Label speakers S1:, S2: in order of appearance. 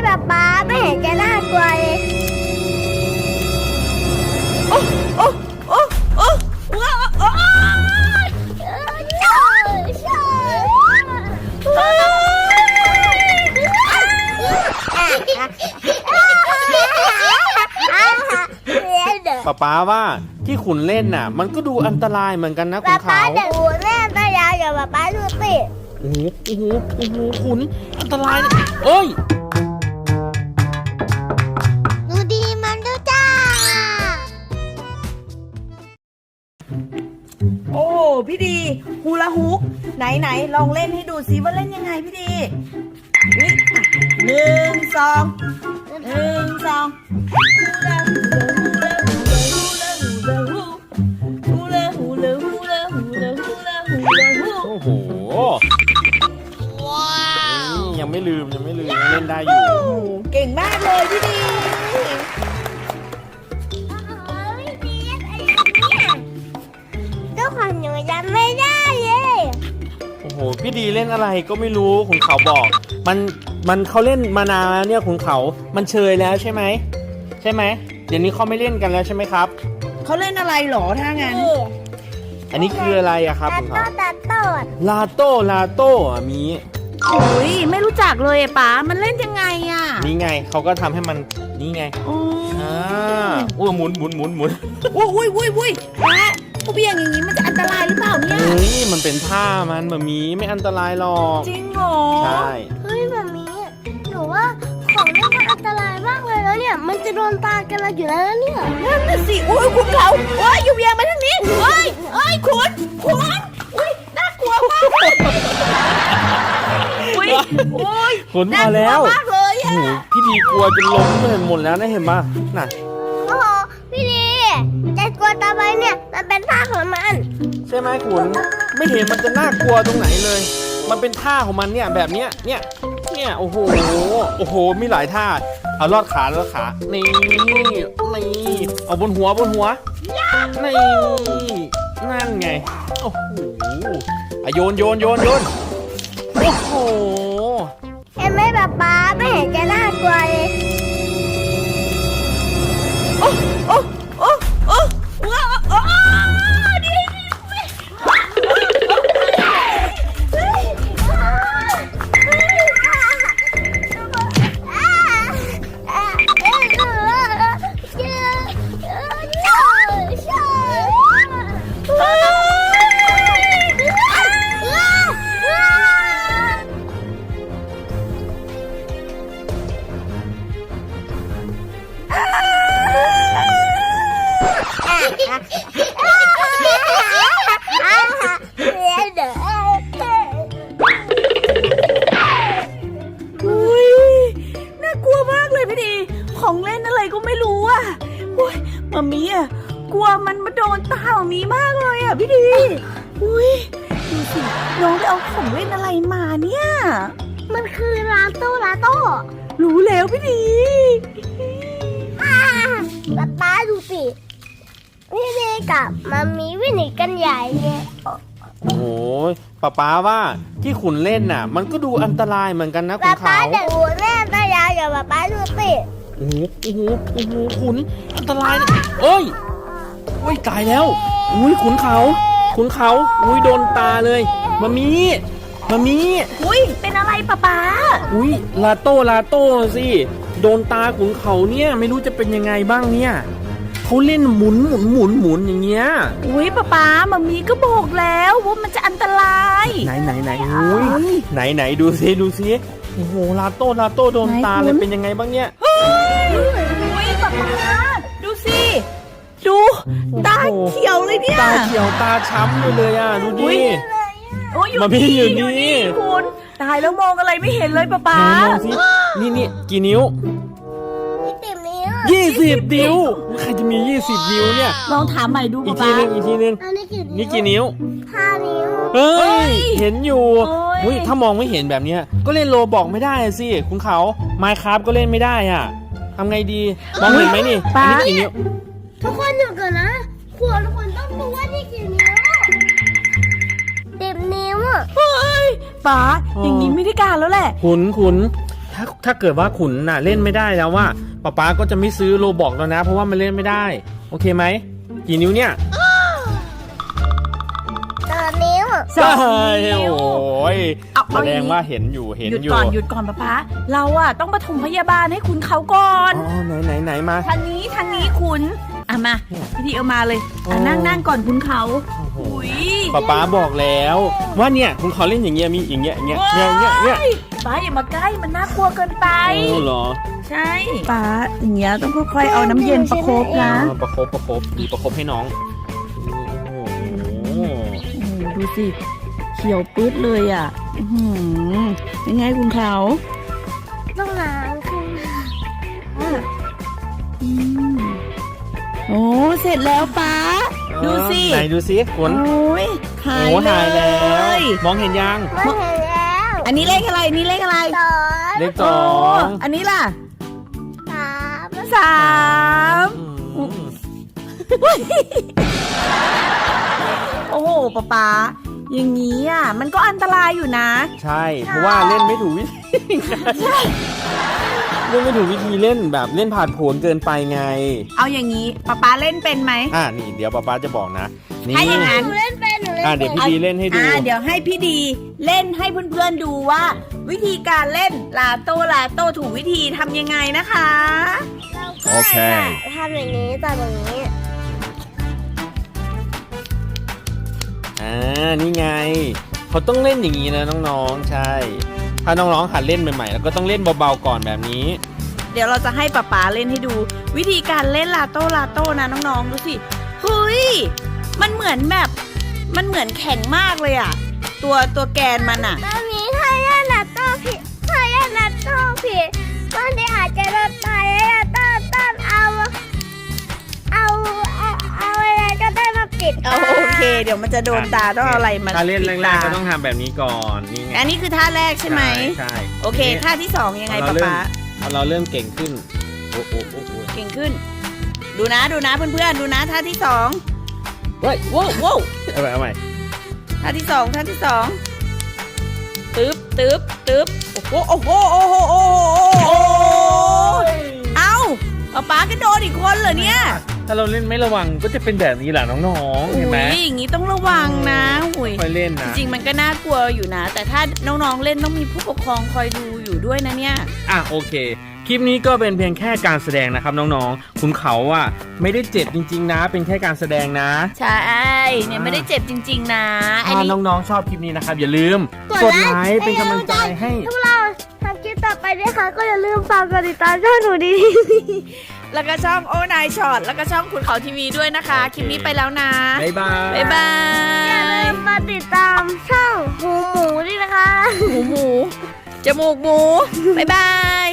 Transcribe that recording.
S1: แบบป๊าไม่เห็นจะน่ากลัวเลย
S2: โอ้โอ้โอ้โอ้ว้าวโอ้
S3: ป๊าว่าที่ขุนเล่นน่ะมันก็ดูอันตรายเหมือนกันนะขุนเขา
S1: ป๊าเดี๋ยวขุนแม่ตายาวอย่าป๊าดูสิ
S3: โอ้โหโอ้โหโอ้โหขุนอันตรายนะเอ้ย
S1: ดูดีมันดูจ้า
S2: โอ้พี่ดีฮูลาฮูปไหนลองเล่นให้ดูซิว่าเล่นยังไงพี่ดีนี่หนึ่งสองฮูลาฮูลาฮูลาฮูลาฮูลาฮูลาฮู
S3: โอ้โหว้าวยังไม่ลืมยังเล่นได้อยู่
S2: เก่งมากเลยพี่ดี
S1: ทุกคนหนูจำไม่ได้เลย
S3: โอ้โหพี่ดีเล่นอะไรก็ไม่รู้ขุนเขาบอกมันเขาเล่นมานานแล้วเนี่ยขุนเขามันเชยแล้วใช่ไหมเดี๋ยวนี้เขาไม่เล่นกันแล้วใช่ไหมครับ
S2: เขาเล่นอะไรหรอถ้างั้น
S3: อันนี้คืออะไรอะครับ
S1: ตั
S3: ขุ
S1: ด
S3: น
S1: โต้
S3: เขา
S1: ตัดโต้
S3: ลาโต้อะมี
S2: โอ้ยไม่รู้จักเลยป๋ามันเล่นยังไงอ่ะ
S3: นี่ไงเขาก็ทำให้มันนี่ไง
S2: โอ้
S3: อ้วหมุน
S2: อุ้ยป๋าผู้เบี่ยงอย่างนี้มันจะอันตรายหรือเปล่าเนี่ย
S3: เฮ้ยมันเป็นท่ามันแบบนี้ไม่อันตรายหรอก
S2: จริงเหรอ
S3: ใช่
S1: เฮ้ยแบบนี้หนูว่าของเล่นมันอันตรายมากเลยแล้วเนี่ยมันจะโดนตากันเราอยู่แล้วนะเนี่ย
S2: นั่นน่ะสิโอ้ยคุณเขาโอ้ยอยู่เบี่ยงมาทางนี้โอ้ยคุณอุ้ยน่ากลัวมากอุ้ยโอ้ย
S3: ขุนพอแล้ว
S2: น่ากลัวมากเลย
S3: โอ้
S2: อ่ะ
S3: โหพี่ดีกลัวจนล้มไปหมดแล้วนะเห็นปะน่ะ
S1: โอ้โหพี่ดีจะกลัวตาไปเนี่ยมันเป็นท่าของมัน
S3: ใช่ไหมขุนไม่เห็นมันจะน่ากลัวตรงไหนเลย มันเป็นท่าของมันเนี่ยแบบเนี้ยโอ้โหมีหลายท่าเอาลอดขานี่เอาบนหัวนี่นั่นไงโอ้โหอ่ะโยนโอ้โห
S1: เห็นไหมแบบป๊าไม่เห็นจะน่ากลัวเลย
S2: โอ้ว้าวโอ้ดีอุ้ยน่ากลัวมากเลยพี่ดีของเล่นอะไรก็ไม่รู้อ่ะโอ้ยมามีอ่ะกลัวมันมาโดนตามามีมากเลยอ่ะพี่ดีอุ้ยดูสิน้องไปเอาของเล่นอะไรมาเนี่ย
S1: มันคือลาโต้
S2: รู้แล้วพี่ดี
S1: ป๊าดูสิพี่ดีกับมามีวิ่งหนีกันใหญ่เนี่ย
S3: โอ้โหป๊าว่าที่ขุนเล่นน่ะ มันก็ดูอันตรายเหมือนกันนะขุ
S1: ป๊าน
S3: เขา
S1: เดี๋ยวขุนแม่ตายาวอย่าป๊าดูสิ
S3: โอ้โหขุนอันตรายนะเอ้ยตายแล้วอุ้ยขุนเขาอุ้ยโดนตาเลยมามี
S2: อุ้ยเป็นอะไรป๊า
S3: อุ้ยลาโต้สิโดนตาขุนเขาเนี่ยไม่รู้จะเป็นยังไงบ้างเนี่ยเขาเล่นหมุนอย่างเงี้ย
S2: อุ้ยป๊ามามีก็บอกแล้วว่ามันจะอันตราย
S3: ไหนอุ้ยไหนดูซิโอ้โหลาโต้โดนตาเลยเป็นยังไงบ้างเนี่ย
S2: อุ้ยป๊าดูสิดูตาเขียวเลยเนี่ย
S3: ตาเขียวตาช้ำเลยอ่ะดู
S2: อุ๊
S3: ดิ
S2: ย โอ้ยอยู่
S3: มาพี่อยู่นี่
S2: คุณตายแล้วมองอะไรไม่เห็นเลยป๊า
S3: มองสินี่กี่นิ้ว
S1: 20 นิ้ว
S3: 20 นิ้วใครจะมี20 นิ้วเนี่ย
S2: ลองถามใหม่ดู
S3: อีก
S2: ป๊า
S3: ทีนึง
S1: อันนี้กี่นิ้ว
S3: นี่กี่นิ้ว
S1: 5 นิ้ว
S3: เฮ้ยเห็นอยู่
S2: โอ้ย
S3: อุ้ยถ้ามองไม่เห็นแบบเนี้ยก็เล่นโลบอกไม่ได้สิคุณเขาไมค์คราฟก็เล่นไม่ได้อ่ะทำไงดีมองเห็นไหมนี่อันนี้กี่นิ้ว
S1: ทุกคนอยู่ก่อนนะทุกคนต้องรู้ว่านี่กี่นิ้ว10 นิ้วอ่ะ
S2: เฮ้ยป๊าอย่างนี้ไม่ได้การแล้วแหละ
S3: ขุนถ้าเกิดว่าขุนน่ะเล่นไม่ได้แล้วว่าป๊าก็จะไม่ซื้อโลบอกแล้วนะเพราะว่ามันเล่นไม่ได้โอเคไหมกี่นิ้วเนี่ย
S1: 2 นิ้ว
S2: สองนิ้ว
S3: โอ้ย
S2: เอา
S3: แสดงว่าเห็นอยู่
S2: หยุดก่อนป๊าเราอะต้องปฐมพยาบาลให้คุณเขาก่อน
S3: อ๋อไหนมา
S2: ทางนี้คุณอ่ะมาพี่ดีเอามาเลยอ่ะนั่งก่อนคุณเขา
S3: โอ้โห
S2: อุ้ย
S3: ป๊าบอกแล้วว่าเนี่ยคุณเขาเล่นอย่างเงี้ยมีอย่างเงี้ยเนี่ย
S2: ป้าอย่ามาใกล้มันน่ากลัวเกินไป
S3: โอ้เหรอ
S2: ใช่ป้าอย่างเงี้ยต้องค่อยๆเอาน้ำเย็นประคบนะ
S3: ประคบดีประคบให้น้องโอ้โห
S2: โอ้โหดูสิเขียวปื๊ดเลยอ่ะอื้อหือยังไงคุณเขา
S1: ต้องล้างขึ้น
S2: อืมโอ้เสร็จแล้วป้าดูสิ
S3: ไหนดูสิขน
S2: โอ้ยหาย
S3: โอ้หาย
S2: เล
S3: แล้ว
S2: ย
S3: มองเห็นยัง
S1: ไม่เห็นแล้ว
S2: อันนี้เลขอะไรอันนี้เลขอะไร
S1: 2
S3: เลข
S2: โอ้
S3: 2
S2: อันนี้ล่ะ
S1: 3
S2: 3
S3: อืม
S2: โอ้โหป๊าอย่างนี้อ่ะมันก็อันตรายอยู่นะ
S3: ใช่เพราะว่าเล่นไม่ถูกวิธีเล่นไม่ถูกวิธีเล่นแบบเล่นผ่านผลเกินไปไง
S2: เอาอย่างนี้ป๊าเล่นเป็นไหม
S3: นี่เดี๋ยวป๊าจะบอกนะนี่
S2: ถ้าอย่างนั้น
S1: หนูเล่นเป็นหนูเล่น
S3: เดี๋ยวพี่ดีเล่นให้ดู
S2: เดี๋ยวให้พี่ดีเล่นให้เพื่อนๆดูว่า วิธีการเล่นลาโต้ถูกวิธีทำยังไงนะคะ
S3: โอเค
S1: ทำอย่างนี้ต่ออย่างนี้
S3: นี่ไงเขาต้องเล่นอย่างนี้นะน้องๆใช่ ถ้าน้องๆหัดเล่นใหม่ๆแล้วก็ต้องเล่นเบาๆก่อนแบบนี้
S2: เดี๋ยวเราจะให้ป๊าเล่นให้ดู วิธีการเล่นลาโต้นะน้องๆดูสิเฮ้ยมันเหมือนแข็งมากเลยอ่ะตัวแกนมันอ่ะ
S1: ตอนนี้ถ้าเล่นนัตโต้ผิดมันจะอาจจะโดนตายแล้วต้นเอาอะไรก็ได้มาปิด
S2: โอเค เดี๋ยวมันจะโดนตาต้องเอาอะไรมา
S3: ถ้าเล่นแร
S2: ปิด
S3: ก
S2: ตา
S3: ๆก็ต้องทำแบบนี้ก่อนนี่ไง
S2: อันนี้คือท่าแรกใช่ไหม
S3: ใช่
S2: โอเคท่าที่สองยังไงป๊า
S3: พอเราเริ่มเก่งขึ้นโอ้
S2: เก่งขึ้น ดูนะเพื่อนๆดูนะท่าที่สอง
S3: เฮ้ย
S2: ว้าว
S3: เอาใหม่
S2: ท่าที่สองตึ๊บโอ้โหเอ้าป๊าก็โดนอีกคนเหรอเนี่ย
S3: ถ้าเราเล่นไม่ระวังก็จะเป็นแบบนี้แหละน้องๆเห็นไหม
S2: อุ้ยอย่างนี้ต้องระวังนะอุ้ย
S3: ค่อยเล่นนะ
S2: จริงๆมันก็น่ากลัวอยู่นะ แต่ถ้าน้องๆเล่นต้องมีผู้ปกครองคอยดูอยู่ด้วยนะเนี่ย
S3: โอเค คลิปนี้ก็เป็นเพียงแค่การแสดงนะครับน้องๆคุณเขาไม่ได้เจ็บจริงๆนะ เป็นแค่การแสดงนะ
S2: ใช่เนี่ยไม่ได้เจ็บจริงๆนะอัน
S3: ถ้า
S2: นี้
S3: น้องๆชอบคลิปนี้นะครับอย่าลืมกดไลค์เป็นกำลังใจให้
S1: พวกเราทำคลิปต่อไปด้วยค่ะก็อย่าลืมฝากกดติดตามช่องหนูดี
S2: แล้วก็ช่องโอนายช็อตแล้วก็ช่องขุนเขาทีวีด้วยนะคะ คลิปนี้ไปแล้วนะ
S3: บ๊ายบาย
S2: บ๊ายบา
S1: อย่าลื
S2: ย
S1: มมาติดตามช่องหูหมูด้วยนะคะ
S2: หมูจมูกหมูบ๊ายบาย